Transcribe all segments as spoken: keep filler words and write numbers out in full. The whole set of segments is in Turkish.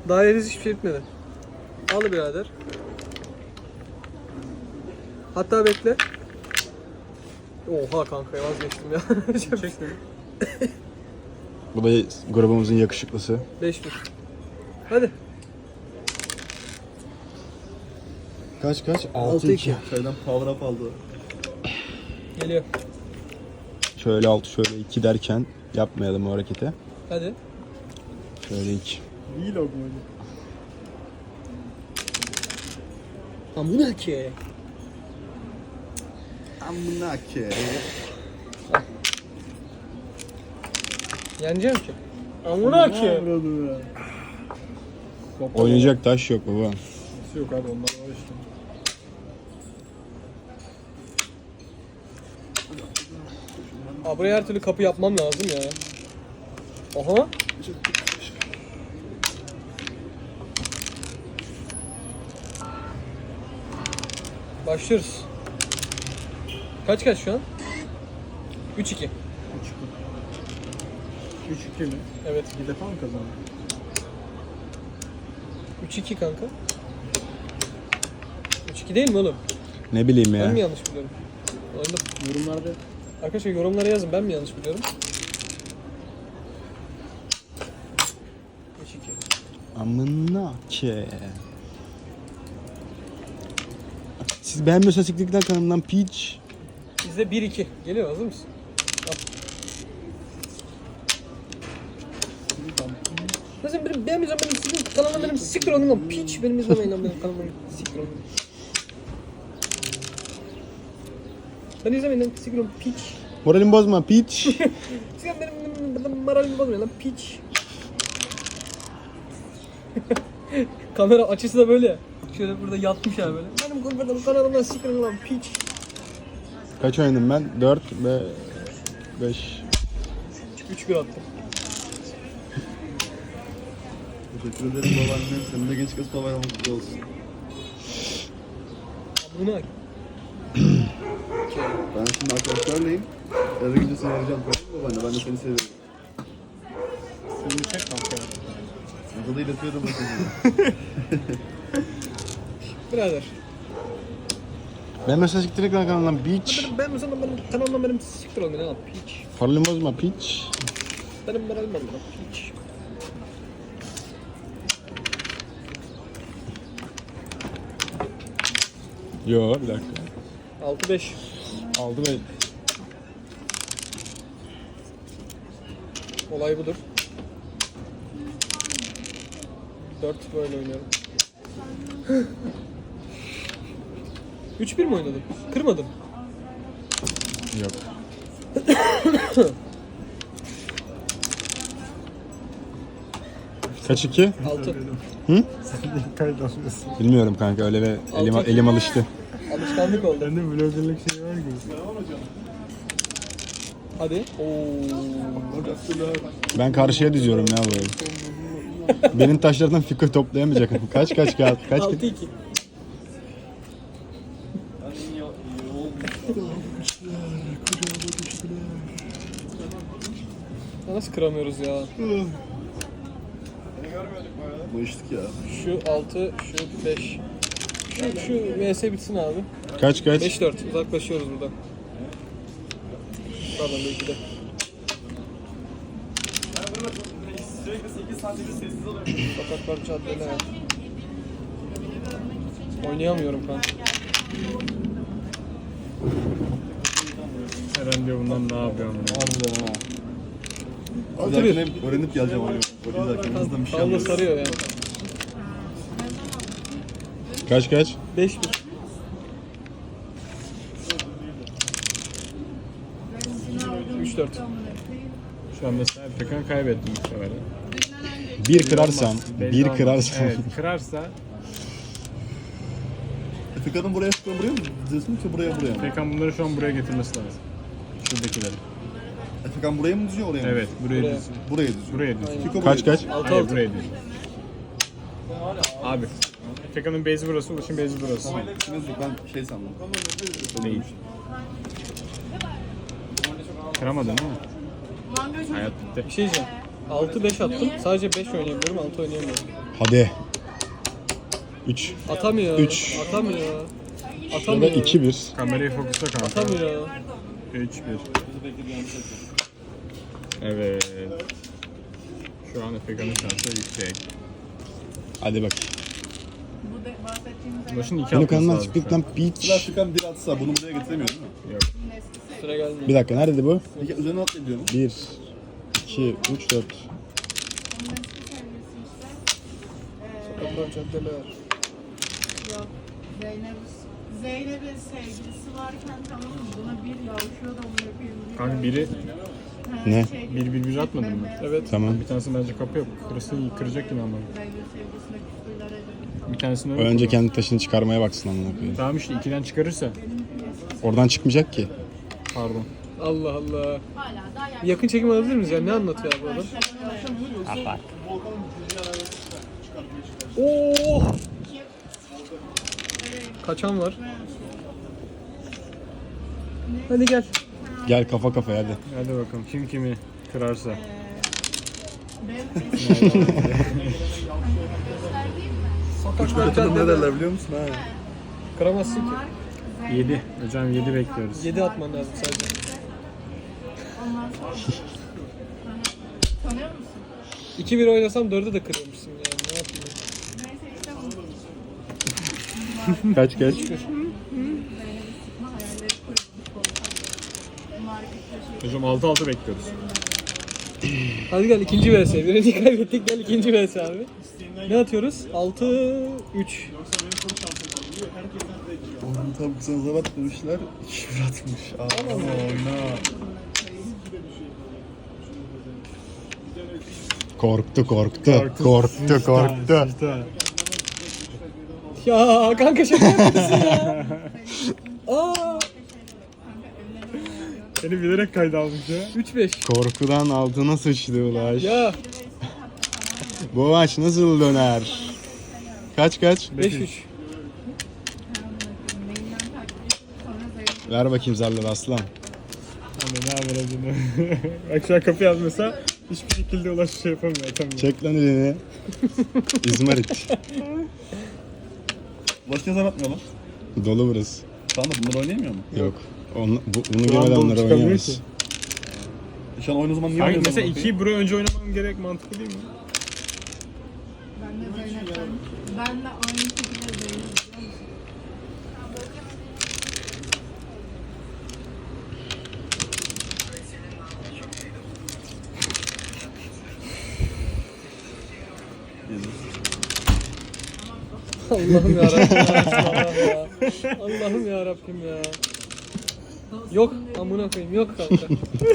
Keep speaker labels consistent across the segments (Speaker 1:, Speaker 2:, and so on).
Speaker 1: Daha henüz hiçbir şey bitmedi. Al birader. Hatta bekle. Oha kanka vazgeçtim ya.
Speaker 2: Çektim.
Speaker 3: Bu da grubumuzun yakışıklısı.
Speaker 1: beş bir. Hadi.
Speaker 3: Kaç kaç?
Speaker 1: altı iki.
Speaker 2: Şeyden power up aldı.
Speaker 1: Geliyor.
Speaker 3: Şöyle altı şöyle iki derken yapmayalım o hareketi.
Speaker 1: Hadi.
Speaker 3: Şöyle iki.
Speaker 2: Vlog mu?
Speaker 1: Amına ki.
Speaker 2: Amına ki.
Speaker 1: Yeneceğim ki. Amına ki.
Speaker 3: Oynayacak taş yok baba.
Speaker 2: Yok abi onlar var işte.
Speaker 1: Abi buraya her türlü kapı yapmam lazım ya. Aha. Başlıyoruz. Kaç kaç şu an? üç iki.
Speaker 2: üç iki mi?
Speaker 1: Evet.
Speaker 2: Bir defa mı kazandı?
Speaker 1: üç iki kanka. üç iki değil mi oğlum?
Speaker 3: Ne bileyim
Speaker 1: Ben mi
Speaker 3: ya.
Speaker 1: yanlış biliyorum? Oyunda...
Speaker 2: Yorumlarda
Speaker 1: Arkadaşlar yorumlara yazın, ben mi yanlış biliyorum? üç iki.
Speaker 3: Amına ki. Siz beğenmiyorsanız siktikten kanalımdan piç.
Speaker 1: Bizde bir iki. Geliyor, hazır mısın? Al. Mesela benim beğenmeyeceğim, benim sizin kanalıma benim siktir olun lan piç. Benim izlemeyin lan benim kanalıma siktir olun. Ben izlemeyin lan siktir olun piç.
Speaker 3: Moralimi bozma piç.
Speaker 1: Siktir benim, benim, benim moralimi bozmayın lan piç. Kamera açısı da böyle. Şöyle burada yatmış ya böyle. Benim kurbanım kanalımdan siktir olun lan piç.
Speaker 3: Kaç oynadım ben? dört ve beş.
Speaker 1: üç bir attım.
Speaker 2: teşekkür ederim babaannem. Senin de genç kız babaannem mutlu olsun.
Speaker 1: Amına.
Speaker 2: Ben şimdi arkadaşlarlayım. Eve gidince seni arayacağım. Babaanne ben de seni seviyorum.
Speaker 1: Seni çek kanka.
Speaker 2: Burada da iletiyorum bakın.
Speaker 1: Birader.
Speaker 3: Ben mesela siktikten kanalımdan piç.
Speaker 1: Ben, ben mesela benim kanalımdan benim siktir olmayın lan piç.
Speaker 3: Moralimi bozma piç.
Speaker 1: Benim moralim bozma lan piç.
Speaker 3: Yo bir dakika.
Speaker 1: altı beş.
Speaker 3: Aldı ve
Speaker 1: Olay budur. dört böyle oynuyorum. üç bir mi oynadım? Kırmadım.
Speaker 3: yok. Kaç iki?
Speaker 1: altı.
Speaker 3: Hı?
Speaker 2: Sen de kayıt alıyorsun.
Speaker 3: Bilmiyorum kanka öyle ve elim,
Speaker 1: Altı.
Speaker 3: elim alıştı.
Speaker 1: Alışkanlık oldu.
Speaker 2: Sende vloggerlık şey var gibi.
Speaker 1: Hadi. Oo.
Speaker 3: Ben karşıya diziyorum ya böyle. Benim taşlardan fikir toplayamayacak. Kaç kaç kağıt? Kaç
Speaker 1: altı iki. Ya nasıl kıramıyoruz ya?
Speaker 2: Bu içtik ya.
Speaker 1: Şu altı, şu beş. Şu, şu V S bitsin abi.
Speaker 3: kaç kaç?
Speaker 1: beş dört. Uzaklaşıyoruz buradan. Pardon belki de. Sokaklar caddeler. Oynayamıyorum kanka.
Speaker 2: Eren diyor bundan ne yapıyorum?
Speaker 3: Harbiden ha.
Speaker 1: altı bir.
Speaker 2: Hep öğrenip geleceğim abi. Bakın zaten hızlı bir şey
Speaker 1: Tavla
Speaker 2: anlıyoruz.
Speaker 1: sarıyor yani.
Speaker 3: Kaç kaç?
Speaker 1: beş bir. üç dört.
Speaker 4: Şu an mesela Pekan kaybettim bu sefer.
Speaker 3: Bir kırarsam,
Speaker 4: Belli
Speaker 3: bir
Speaker 4: olmaz.
Speaker 3: kırarsam.
Speaker 4: Evet, kırarsa
Speaker 2: Efekan'ın buraya Efekan buraya mı diziyorsun yoksa buraya buraya mı?
Speaker 4: Pekan bunları şu an buraya getirmesi lazım. Şuradakileri.
Speaker 2: Efekan buraya mı diziyor oraya mı?
Speaker 4: Evet, buraya
Speaker 1: Buraya.
Speaker 4: diziyor.
Speaker 2: Buraya diziyor.
Speaker 4: Buraya diziyor.
Speaker 1: Aynen.
Speaker 2: Fiko
Speaker 3: Kaç
Speaker 2: buraya
Speaker 3: kaç?
Speaker 1: altı
Speaker 4: Hayır,
Speaker 1: altı.
Speaker 4: buraya diziyor. Abi, Pekan'ın base'i burası, Ulaş'ın base'i burası.
Speaker 2: diziyor. Yok ben şey sandım.
Speaker 4: Değil. Kıramadın değil mi? Hayat bitti.
Speaker 1: Bir şey diyeceğim. altı beş attım. Sadece beş oynayabiliyorum, altı oynayamıyorum.
Speaker 3: Hadi. üç.
Speaker 1: Atamıyor.
Speaker 3: Üç.
Speaker 1: Atamıyor.
Speaker 3: Ya da
Speaker 1: Atamıyor.
Speaker 3: iki bir.
Speaker 4: Kamerayı fokusla kanka.
Speaker 1: Atamıyor.
Speaker 4: üç bir. Evet. Şu an Efekan'ın şansı yüksek.
Speaker 3: Hadi bak.
Speaker 5: Bu de bahsettiğimiz
Speaker 4: Başın iki
Speaker 3: Bunu
Speaker 4: atması
Speaker 3: kanından
Speaker 4: lazım
Speaker 3: çıktık
Speaker 4: şu an.
Speaker 3: lan piç.
Speaker 2: Sıra Afrikan bir atsa bunu buraya getiremiyor değil mi?
Speaker 4: Yok.
Speaker 1: Sıra gelmiyor.
Speaker 3: Bir dakika neredeydi bu?
Speaker 2: Peki üzerine atlayabiliyor mu?
Speaker 3: bir, iki, üç, dört.
Speaker 5: onun eski sevgilisi işte. Ee,
Speaker 1: Sokaklar, caddeler.
Speaker 5: yok. Zeynep, Zeynep'in sevgilisi varken tamam mı? Buna bir yavşıyor da onu yapıyor.
Speaker 4: Kanka biri
Speaker 5: Ha,
Speaker 3: Ne?
Speaker 5: şey,
Speaker 4: bir bir bir atmadın mı?
Speaker 5: bembeyaz
Speaker 1: Evet.
Speaker 3: Tamam.
Speaker 4: Bir tanesi bence kapı yok. Kırısın kıracak yine ama.
Speaker 5: Zeynep sevgilisine küfürler edildi.
Speaker 4: Bir tanesini öyle
Speaker 3: Önce
Speaker 4: kullan.
Speaker 3: kendi taşını çıkarmaya baksın amına koyayım.
Speaker 4: Tamam işte ikiden çıkarırsa.
Speaker 3: Oradan çıkmayacak ki.
Speaker 4: Pardon.
Speaker 1: Allah Allah.
Speaker 5: Hala daha
Speaker 1: Bir yakın çekim alabilir miyiz ya? Ne anlatıyor abi bu adam? Oo! Kaçan var. Hadi gel.
Speaker 3: Gel kafa kafaya hadi.
Speaker 4: Hadi bakalım kim kimi kırarsa.
Speaker 1: Sokaklar,
Speaker 2: Ne
Speaker 1: caddeler.
Speaker 2: derler biliyor musun ha?
Speaker 1: Kıramazsın ki.
Speaker 4: yedi. Hocam yedi bekliyoruz.
Speaker 1: yedi atman lazım sadece.
Speaker 5: Ondan sonra tanıyor musun?
Speaker 1: iki bir oynasam dörde de kırıyormuşsun yani. Ne yapayım?
Speaker 5: Neyse işte bu.
Speaker 3: Kaç kaç?
Speaker 5: Zeynep'i sıkma hayalleri kurulmuş oldu. Market
Speaker 4: Hocam altı altı bekliyoruz.
Speaker 1: Hadi gel ikinci V S. Birinci kaybettik, gel ikinci V S abi. Ne atıyoruz? altı üç.
Speaker 2: Oğlum tabi kısanıza batmışlar. iki bir atmış. Aa.
Speaker 3: Korktu korktu. Korktu korktu.
Speaker 1: Ya kanka şaka yapıyorsun ya. Aa,
Speaker 4: Seni bilerek kayda almış ya.
Speaker 1: üç beş.
Speaker 3: Korkudan altına sıçtı ulaş.
Speaker 1: Ya
Speaker 3: Bu maç nasıl döner? Kaç kaç?
Speaker 1: beş üç.
Speaker 5: Neyinden takip edip sonra Zeynep
Speaker 3: Ver bakayım zarları aslan.
Speaker 4: Hani ne haber acını? Bak şu an kapı yazmasa hiçbir şekilde ulaş şey yapamıyor. Atamıyor.
Speaker 3: Çek lan elini. İzmarit.
Speaker 2: Başka ne zaman atmıyor lan?
Speaker 3: Dolu burası.
Speaker 2: Tamam da bunlar oynayamıyor mu?
Speaker 3: Yok. Onu, bu, bunu
Speaker 4: Şu an
Speaker 3: görmeden
Speaker 4: dolu
Speaker 3: onları
Speaker 4: çıkamıyor
Speaker 3: oynayamayız.
Speaker 4: ki.
Speaker 2: E Şu an oyun o zaman niye
Speaker 4: Kanka
Speaker 2: oynuyorsun?
Speaker 4: mesela ikiyi buraya önce oynamam gerek mantıklı değil mi?
Speaker 5: ben de Zeynep'ten ben de aynı şekilde Zeynep biliyor musun?
Speaker 1: Allah'ım ya Rabbim. Allah'ım ya Rabbim ya. Yok amına koyayım, yok kanka.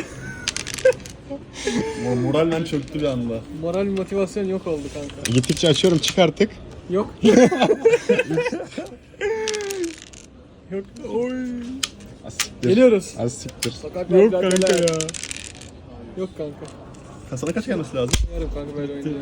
Speaker 2: Moralden çöktü bir anda.
Speaker 1: Moral motivasyon yok oldu kanka.
Speaker 3: Gittikçe açıyorum çık artık.
Speaker 1: Yok.
Speaker 4: Yok. Oy.
Speaker 3: Az siktir.
Speaker 1: Geliyoruz.
Speaker 3: Az siktir.
Speaker 1: Sokaklar,
Speaker 4: Yok kanka
Speaker 1: caddeler.
Speaker 4: ya.
Speaker 1: Yok kanka.
Speaker 2: Kasada kaç gelmesi lazım?
Speaker 1: Yarım kanka böyle oynuyor.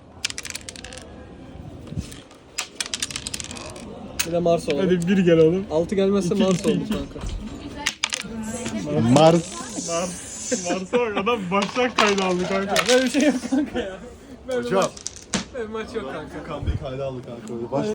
Speaker 1: Bir de Mars olalım.
Speaker 4: Hadi bir gel oğlum.
Speaker 1: altı gelmezse
Speaker 4: İki,
Speaker 1: Mars
Speaker 4: iki,
Speaker 1: olduk
Speaker 4: iki.
Speaker 1: kanka.
Speaker 3: Mars.
Speaker 4: Mars. Mars'a bak adam baştan kayda aldı kanka.
Speaker 1: Böyle bir şey yok kanka ya. Böyle
Speaker 2: Hocam.
Speaker 1: maç, böyle maç yok kanka.
Speaker 2: Kambayı kayda aldı kanka. Baş